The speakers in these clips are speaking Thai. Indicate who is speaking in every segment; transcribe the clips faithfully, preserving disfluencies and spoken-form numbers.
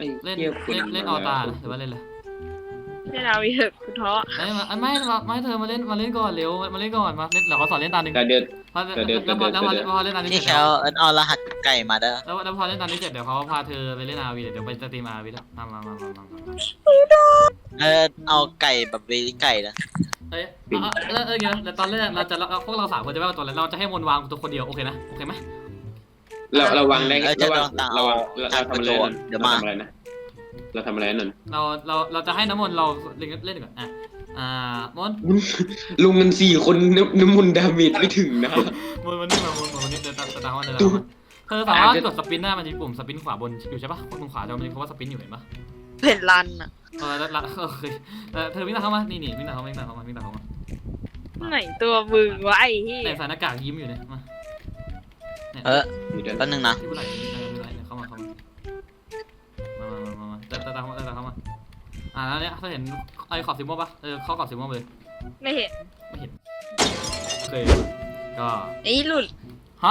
Speaker 1: เล่น
Speaker 2: เหี้ย
Speaker 1: เล่นเล่นออตาหรือว่าเล่นอะไร
Speaker 3: เล่นเอาวีเถอะคุณท้อ
Speaker 1: ไม่ไม่ไม่เธอมาเล่นมาเล่นก่อนเร็วมาเล่นก่อนมาเล่นเดี๋ยวเขาสอนเล่นตาหนึ่ง
Speaker 2: แต่เดือด
Speaker 1: พอแล้วพอแล้วพอแล้วพอเล่นตานี้
Speaker 4: พี่
Speaker 1: เสร็จ
Speaker 4: แค
Speaker 1: แล้ว
Speaker 4: ลเอิญเอารหัสไก่มาเด้อ
Speaker 1: แล้วแล้วพอเล่นตานี้เสร็จเดี๋ยวเขาพาเธอไปเล่นอาวีเดี๋ยวไปสตรีมอาวีแล้วมามามามามา
Speaker 4: เออเอาไก่แบบเวลิไก่นะ
Speaker 1: เฮ้ยเออเออเดี๋ยวแล้วตอนแรกเราจะเราพวกเราสามคนจะไม่เอาตัวแล้วเราจะให้มนวางตัวคนเดียวโอเคนะโอเคไหม
Speaker 2: เราเราวางได้
Speaker 4: เออจะ
Speaker 2: เรา
Speaker 4: ล
Speaker 2: วา
Speaker 4: อง งต่าง
Speaker 2: เรา
Speaker 4: เอา
Speaker 2: วางเรา
Speaker 4: การ
Speaker 2: ทำ
Speaker 4: ก
Speaker 2: อะ
Speaker 4: ระ
Speaker 2: ไร
Speaker 4: โดด
Speaker 2: นั่น
Speaker 4: เดี๋ยว
Speaker 2: เรา
Speaker 4: มา
Speaker 2: ทำอะไรนะเราทำอะไรนั่น
Speaker 1: เราเราเราจะให้น้ำมนต์เราเล่นเล่นก่อนอ่ะอ่ามน
Speaker 2: ลุงกันสี่คนน้ำน้ำมันดาเมจไม่ถึงนะ
Speaker 1: มนมันนี่มามนมันนี่เดินตามตามว่าเดินตามเธอสามารถกดสปินได้มันจะมีปุ่มสปินขวาบนอยู่ใช่ปะตรงขวาจะมีคำว่าสปินอยู่เห็นปะ
Speaker 3: เห็นรันอ่ะ
Speaker 1: เออแล้วโอเคเธอวิ่งตามเข้ามานี่นี่วิ่งตามเข้ามาวิ่งตามเข้ามาวิ่งตามเข้ามา
Speaker 3: ไหนตัวมึงวะไอ้ที่
Speaker 1: แต่ใส่หน้ากากยิ้มอยู่เนี่ยมา
Speaker 4: เออ
Speaker 2: มีเดิน
Speaker 4: แป๊บนึงนะ
Speaker 1: ที่ผู้ไหล่ไม่ไหล่เข้ามาเข้ามามามามามาเดินตามเข้ามาเดินตามเข้ามาอ่าแล้วเนี่ยเธอเห็นไอ้ขอบสีม่วงปะเออเข้าขอบสีม่วงเลย
Speaker 3: ไม่เห็น
Speaker 1: ไม่เห็นโอเคก็
Speaker 3: ไอ้หลุด
Speaker 1: ฮะ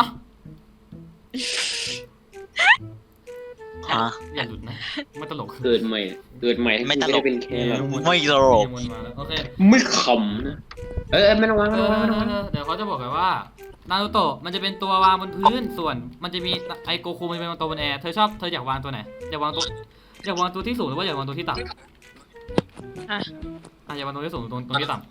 Speaker 4: ฮะ
Speaker 1: อย่าหลุดนะไม่ตลก
Speaker 2: เกิดใหม่เกิดใหม่ให้
Speaker 4: ไม่ตลก
Speaker 2: ด้เป็นแค่เรา
Speaker 4: ไม่ตลก
Speaker 1: มนมาแล้วโอเค
Speaker 2: ไม่ขำนะเออไม่ต้องวาง
Speaker 1: เอ
Speaker 2: ไม่
Speaker 1: อ
Speaker 2: ต้องวางไม่ต้องวาง
Speaker 1: เดี๋ยวเขาจะบอกกันว่านารูโตะมันจะเป็นตัววางบนพื้นส่วนมันจะมีไอโกคูมันจะเป็นตัวบนแอร์เธอชอบเธออยากวางตัวไหนอยากวางตัวอยากวางตัวที่สูงหรือว่าอยากวางตัวที่ต่ำ
Speaker 3: อ่ะ
Speaker 1: อ่ะอยากวางตัวที่สูงตรงตรงที่ต่ำ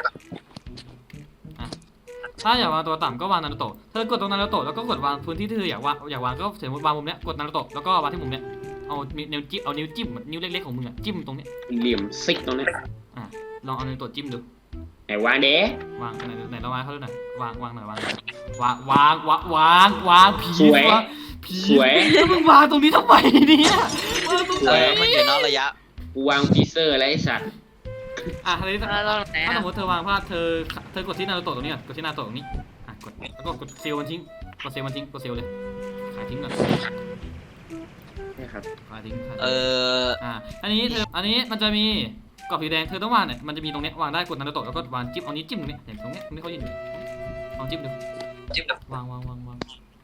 Speaker 1: อ่ะถ้าอยากวางตัวต่ำก็วางนารูโตะเธอกดตรงนารูโตะแล้วก็กดวางพื้นที่ที่เธออยากวางอยากวางก็สมมติวางมุมเนี้ยกดนารูโตะแล้วก็วางที่มุมเนี้ยเอานิ้วจิ้มเอานิ้วจิ้มนิ้วเล็กๆของมึงอะจิ้มตรงเนี้ย
Speaker 2: เหลี่ยมซิกตรงนี้
Speaker 1: อ่ะลองเอานารูโตะจิ้มดู
Speaker 2: ไหนวางเด้
Speaker 1: วางไหนไหนเราวางเขาดูหน่อยวางวางหน่อยวางวางวางวางวางวางผี
Speaker 2: สวย
Speaker 1: วะผี
Speaker 2: สวย
Speaker 1: แล้วมึงวางตรงนี้ทำไมเนี่ยวางตรง
Speaker 4: เอ
Speaker 1: นี้
Speaker 4: อมันอยู่นอกระยะ
Speaker 2: กูวางฟีเซอร์อะไรไอ้สัตว์
Speaker 1: อ่ะทีนี้
Speaker 3: แล้วเราไหน
Speaker 1: ถ้าส
Speaker 3: อ่ะ
Speaker 1: มมติเธอวางพลาดเธอเธอกดที่นารูโตะตรงนี้ก่อนกดที่นารูโตะตรงนี้อ่ะกดแล้วก็กดเซลล์มันทิ้งกดเซลล์มันทิ้งกดเซลล์เลยขายทิ้งก่อน
Speaker 2: นี่ครับ
Speaker 1: ขายทิ้งขาย
Speaker 4: เอ
Speaker 1: ทิ้ง
Speaker 4: อ
Speaker 1: อ่ะอันนี้เธออันนี้มันจะมีกรอบสีแดงเธอต้องวางเนี่ยมันจะมีตรงเนี้ยวางได้กดนารูโตะแล้วก็วางจิ้มเอานี้วจิ้มตรงนี้อย่างตรงเนี้ยตรงนี้เขายืนอยู่ลองจิ้มดูจิ้มดูวางวางวางวาง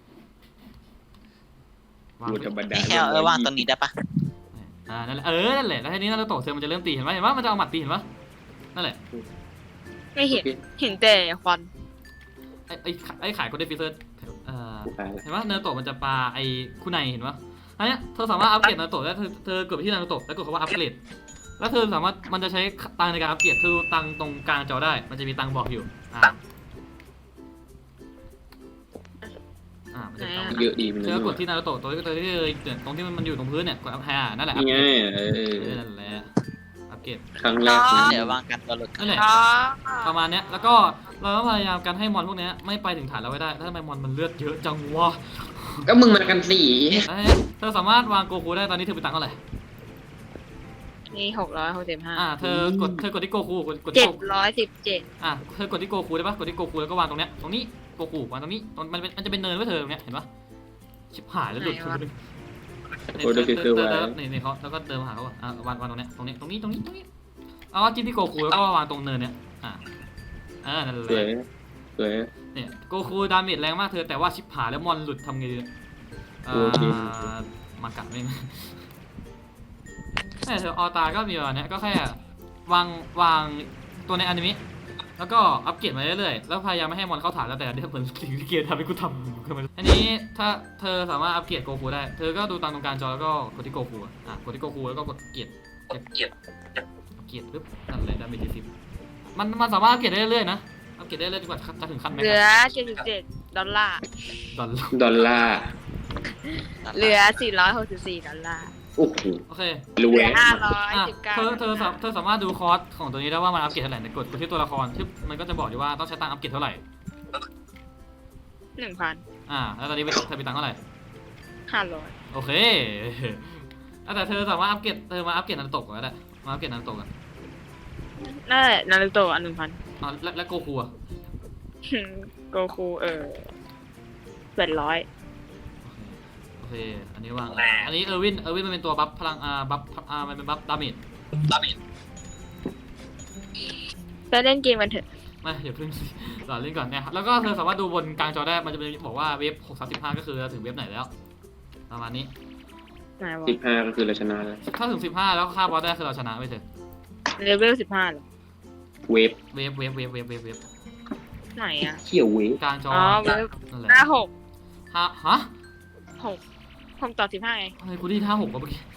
Speaker 1: วาง
Speaker 2: กูธรรมดา
Speaker 4: พี่แคลเออว่างตรงนี้ได้ปะ
Speaker 1: อ่านั่นแหละเออนั่นแหละแล้วทีนี้นารูโตะเธอมันจะเริ่มตีเห็นไหมเห็นว่ามันจะเอาหมัดตีเห็นปะนั่นแหละ
Speaker 3: ไม่เห็นเห็นแต่ควัน
Speaker 1: ไอ้ไอ้ไอ้ขายโคเดฟิเซอร์เอ่อ
Speaker 2: กูตายแล้ว
Speaker 1: เห็นปะนารูโตะมันจะปาไอ้คุไนเห็นปะอันเนี้ยเธอสามารถอัปเกรดนารูโตะได้เธอเธอกดไปที่นารูโตะแล้วกดคำว่าอัปเกรดแล้วเธอสามารถมันจะใช้ตังค์ในการอัปเกรดเธอดูตังค์ตรงกลางจอได้มันจะมีตังค์บอกอยู่อ่าอ่ามันจะมีตังค์
Speaker 2: เยอะดีมัน
Speaker 1: เธอกดที่นารูโตะตัวที่ตัวที่เกิดตรงที่มันอยู่ตรงพื้นเนี่ยกดอัพแฮร์นั่นแหละอั
Speaker 2: นี่
Speaker 1: ป
Speaker 2: ไง
Speaker 1: เกรด
Speaker 2: เออ
Speaker 1: เออนั่นแหละอัปเกรด
Speaker 2: ครั้งแรก
Speaker 4: เดี๋ยววางกันตัวหลุด
Speaker 1: นั่นแหละ
Speaker 3: อ๋อ
Speaker 1: ประมาณเนี้ยแล้วก็เราต้องพยายามกันให้มอนพวกเนี้ยไม่ไปถึงฐานเราไว้ได้ถ้าทำไมมอนมันเลือดเยอะจังวะ
Speaker 2: ก็มึงมากันสี่
Speaker 1: แล้วเนี่ยเธอสามารถวางโกคูได้ตอนนี้เธอเป็นตังค์เท่าไหร่
Speaker 3: นี่หกร้อยหกสิบห้า
Speaker 1: อ่าเธอกดเธอกดที่โกคูกดกดที่
Speaker 3: เจ็ด
Speaker 1: โก
Speaker 3: ร้อยสิบเจ็ด
Speaker 1: อ่าเธอกดที่โกคูได้ปะกดที่โกคูแล้วก็วางตรงเนี้ยตรงนี้โกคูวางตรงนี้ตรงมันเป็นมันจะเป็นเนินไว้เธอตรงเนี้ยเห็นปะชิบหายแล้วหลุดคือนี่นี่นี่เขาแล้วก็เดินมาหาเขาอ่ะอ่าวางวางตรงเนี้ยตรงนี้ตรงนี้ตรงนี้ตรงนี้เอาจิ้มที่โกคูแล้วก็วางตรงเนินเนี้ยอ่าอ่านั่นแห
Speaker 2: สวย
Speaker 1: ละ
Speaker 2: สวย
Speaker 1: เนี่ยโกคูดาเมจแรงมากเธอแต่ว่าชิบหายแล้วมอนหลุดทำไงดีเอ่
Speaker 2: โอเค
Speaker 1: อมากัดไม่เนี่ยเธอออตาก็มีแบบเนี้ยก็แค่วางวางตัวในอนิเมะแล้วก็อัปเกรดมาเรื่อยๆแล้วพยายามไม่ให้มอนเข้าฐานแล้วแต่เดี๋ยวเหมือนสิ่งที่เกมทำให้กูทำคือมันอันนี้ถ้าเธอสามารถอัปเกรดโกคูได้เธอก็ดูตามตรงกลางจอแล้วก็กดที่โกคูอ่ะอ่ะกดที่โกคูแล้วก็กดเกียรเกียรเกียรปึ๊บนั่นเลยดาเมจที่สิบมันมันสามารถอัปเกรดได้เรื่อยๆนะอัปเกรดได้เรื่อยจนกว่าจะถึงขั้นแม็ก
Speaker 3: เห
Speaker 1: ซ์
Speaker 3: ลือเจ็ดสิบเจ็ดดอลลาร์
Speaker 1: ดอลลาร์
Speaker 2: ดอลลาร์
Speaker 3: เหลือสี่ร้อยหกสิบสี่ดอลลาร์
Speaker 2: โอ้โห
Speaker 1: โอเค
Speaker 2: ร
Speaker 3: เห
Speaker 2: ว
Speaker 3: ลื
Speaker 2: ย
Speaker 3: อห้าร้อย
Speaker 1: อ่ะ
Speaker 3: สิบเก้า
Speaker 1: เธอเธอสาเธอสามารถดูคอร์สของตัวนี้ได้ว่ามันอัปเกรดเท่าไหร่ในกดกดที่ตัวละครที่มันก็จะบอกอยู่ว่าต้องใช้ตังค์อัปเกรดเท่าไหร่
Speaker 3: หนึ่งพัน
Speaker 1: อ่าแล้วตอนนี้เธอมีตังค์เท่าไหร่
Speaker 3: ห้าร้อย
Speaker 1: โอเคอ่ะแต่เธอสามารถอัปเกรดเธอมาอัปเกรดนันโตะก่อนก็ได้มาอัปเกรดนันโตะกัน
Speaker 3: นั่นแหละนารูโตะอันหนึ่งพัน
Speaker 1: อ่าและและโกคูอ่ะ
Speaker 3: โกคูเออแปดร้อย
Speaker 1: โอเคอันนี้วางอันนี้เออร์วินเออร์วินมันเป็นตัวบัฟพลังอ่าบัฟอ่ามันเป็นบัฟดาเมจ
Speaker 3: ไปเล่นเกมกันเถอะ
Speaker 1: ไม่เดี๋ยวเพิ่งหลอเล่นก่อนเนี่ยแล้วก็เธอสามารถดูบนกลางจอได้มันจะเป็นบอกว่าเว็บหกสามสิบห้าก็คือถึงเว็บไหนแล้วประมาณนี้
Speaker 3: ไหนวะ
Speaker 2: สิบห้าก็คือเราชนะแล้ว
Speaker 1: ถ้าถึงสิบห้าแล้วฆ่าบอสได้คือเราชนะไปเถอะ
Speaker 3: เลเวลสิบห้าเหรอ
Speaker 2: เวฟ
Speaker 1: เวฟเวฟเวฟเวฟเวฟเวฟ
Speaker 3: ไหนอ่ะ
Speaker 2: เขี่ยวเวฟ
Speaker 1: กลางจอ
Speaker 3: อ๋อเวฟ
Speaker 1: นั่นแหละ
Speaker 3: ห้าหก
Speaker 1: ห้าฮะ
Speaker 3: หกผมต่อสิบห้าไง
Speaker 1: อะไรกูได้ห้าหกวะเมื่อกี้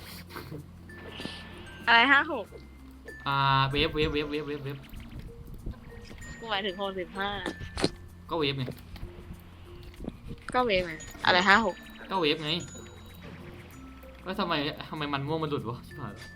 Speaker 3: อะไรห้าหก
Speaker 1: อ่าเวฟเวฟเวฟเวฟเวฟเวฟ
Speaker 3: กูหมายถึงหกสิบห้า
Speaker 1: ก็เวฟไง
Speaker 3: ก็เวฟไงอะไรห้าหก
Speaker 1: ก็เวฟไงก็ทำไมทำไมมันม่วงมันหลุดวะชิบหายแล้ว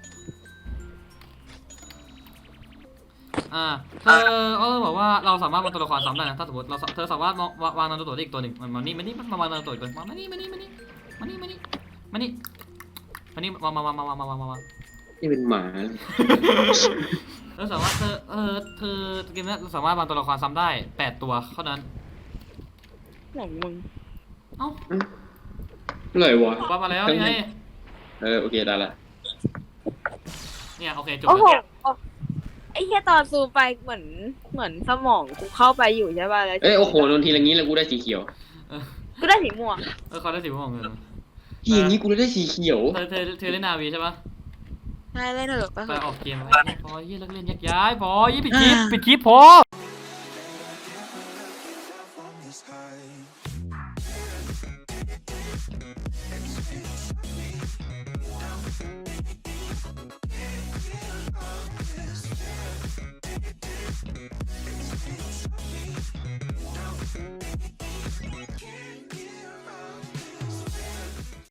Speaker 1: อ่าเธอเออบอกว่าเราสามารถวางตัวละครซ้ำได้นะถ้าสมมติเราเธอสามารถวางวางนารูโตะได้อีกตัวหนึ่งมันมานี่มานี่มาวางนารูโตะอีกตัวมานี่มานี่มานี่มานี่มานี่มานี่มานี่มามามามามามามาม
Speaker 2: นี่เป็นหมา
Speaker 1: เราสามารถเธอเออเธอเกมนี้เราสามารถวางตัวละครซ้ำได้แปดตัวเท่านั้น
Speaker 3: หลงมึง
Speaker 1: เอ้า
Speaker 2: เลยวะ
Speaker 1: ว่ามาแล้วนี่ไง
Speaker 2: เออโอเคได้ละ
Speaker 1: เนี่ยโอเคจบ
Speaker 5: โอ้โห
Speaker 1: แล้ว
Speaker 5: ไอ้แค่ตอนซูมไปเหมือนเหมือนสมองกูเข้าไปอยู่ใช่ป่ะแล้ว
Speaker 2: เอ้ยโอ้โหโดนทีละงี้แล้วกูได้สีเขียว
Speaker 5: กูได้สีม่วง
Speaker 1: เออเขาได้สิบม่วงเงิน
Speaker 2: ทีอย่างงี้กูได้สีเขียว
Speaker 1: เธอเธอเธอเล่นนาวีใช่ปะ
Speaker 5: ใช่เล่นเถอะไป
Speaker 1: ไป
Speaker 5: เถอะ
Speaker 1: ออกเกมไปพอยี่เลิกเล่นแยกย้ายพอยี่ปิดคลิปปิดคลิปพอ